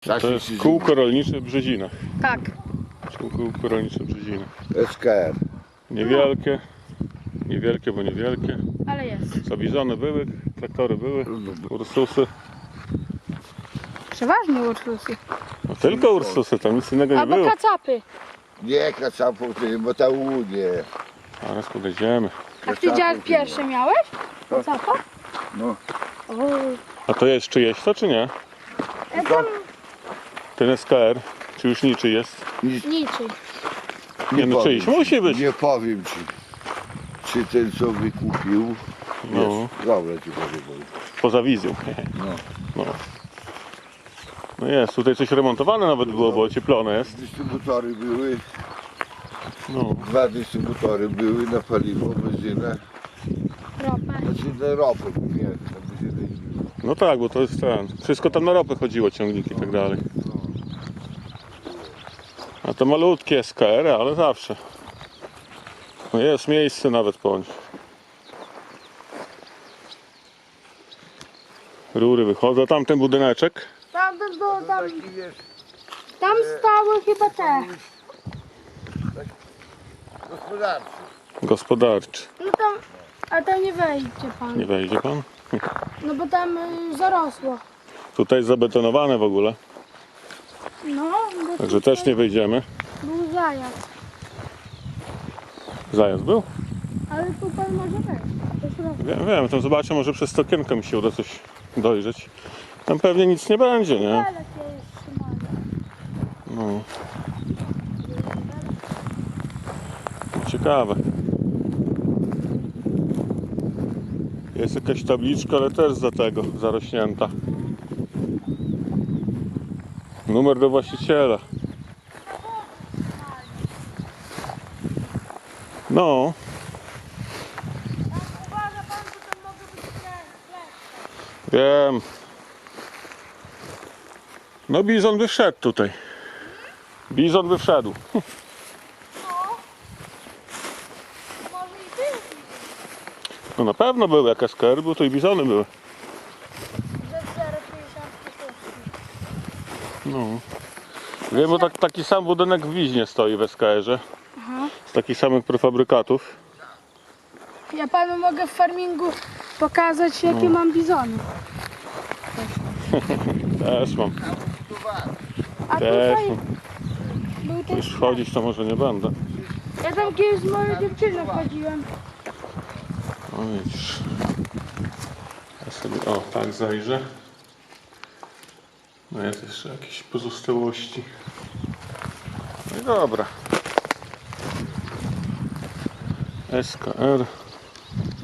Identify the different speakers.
Speaker 1: To jest kółko rolnicze Brzezina.
Speaker 2: Tak.
Speaker 1: Kółko rolnicze Brzezina.
Speaker 3: SKR.
Speaker 1: Niewielkie, bo niewielkie.
Speaker 2: Ale jest.
Speaker 1: Zabizony były, traktory były, Ursusy.
Speaker 2: Przeważnie Ursusy.
Speaker 1: No tylko Ursusy, tam nic innego nie
Speaker 2: Albo
Speaker 1: było.
Speaker 2: kacapy.
Speaker 3: Nie kacapów, bo ta łunie.
Speaker 1: Zaraz podejdziemy.
Speaker 2: A ty dziadek pierwszy miałeś? Kacapa?
Speaker 3: No.
Speaker 2: O,
Speaker 1: A to jest czyjeś to, czy nie?
Speaker 2: ja tam
Speaker 1: Ten SKR, czy już niczyj jest?
Speaker 2: niczym.
Speaker 1: Nie no, czyjś musi być.
Speaker 3: Nie powiem ci, czy ten co wykupił.
Speaker 1: No.
Speaker 3: Jest. Dobra ci powiem.
Speaker 1: Poza wizją.
Speaker 3: No.
Speaker 1: No. No jest, tutaj coś remontowane nawet było, bo ocieplone jest.
Speaker 3: Dystrybutory były,
Speaker 1: No.
Speaker 3: 2 dystrybutory były na paliwo, benzynę.
Speaker 2: Ropę.
Speaker 3: Znaczy na ropę, nie, na benzynę.
Speaker 1: No tak, bo to jest ten. Wszystko tam na ropę chodziło, ciągniki i tak dalej. A to malutkie SKR, ale zawsze. No jest miejsce nawet po nich. Rury wychodzą, tamten budyneczek.
Speaker 2: Tam było, tam,
Speaker 3: Taki wiesz,
Speaker 2: tam stały chyba te.
Speaker 3: gospodarczy.
Speaker 1: Gospodarczy.
Speaker 2: No tam, a tam nie wejdzie pan.
Speaker 1: Nie wejdzie pan?
Speaker 2: No bo tam zarosło.
Speaker 1: Tutaj jest zabetonowane w ogóle,
Speaker 2: No, bo
Speaker 1: także też nie wejdziemy.
Speaker 2: był zajazd.
Speaker 1: Zajazd był?
Speaker 2: Ale tu pan może wejść. Do środka.
Speaker 1: Wiem, tam zobaczę, może przez to okienko mi się uda coś dojrzeć. Tam pewnie nic nie będzie, nie?
Speaker 2: Ale to jest trzymane.
Speaker 1: No. Ciekawe. Jest jakaś tabliczka, ale też za tego, zarośnięta. Numer do właściciela. No.
Speaker 2: Uważa pan, że to mogę być kleszcze.
Speaker 1: Wiem. No bizon by wszedł tutaj. Bizon by wszedł.
Speaker 2: No. Może i ty.
Speaker 1: No na pewno były, jak SKR był, to i bizony były.
Speaker 2: Ze 0,50
Speaker 1: No. Wiem, bo taki sam budynek w Wiźnie stoi w SKR-ze.
Speaker 2: Aha.
Speaker 1: Z takich samych prefabrykatów.
Speaker 2: Ja panu mogę w farmingu pokazać, jakie mam bizony.
Speaker 1: Też mam.
Speaker 2: A
Speaker 1: Też
Speaker 2: tutaj
Speaker 1: mam.
Speaker 2: był ten
Speaker 1: Już wchodzić to może nie będę.
Speaker 2: Ja tam kiedyś z moją dziewczyną chodziłem.
Speaker 1: No widzisz. Ja sobie, o tak zajrzę. No jest jeszcze jakieś pozostałości. No i dobra. SKR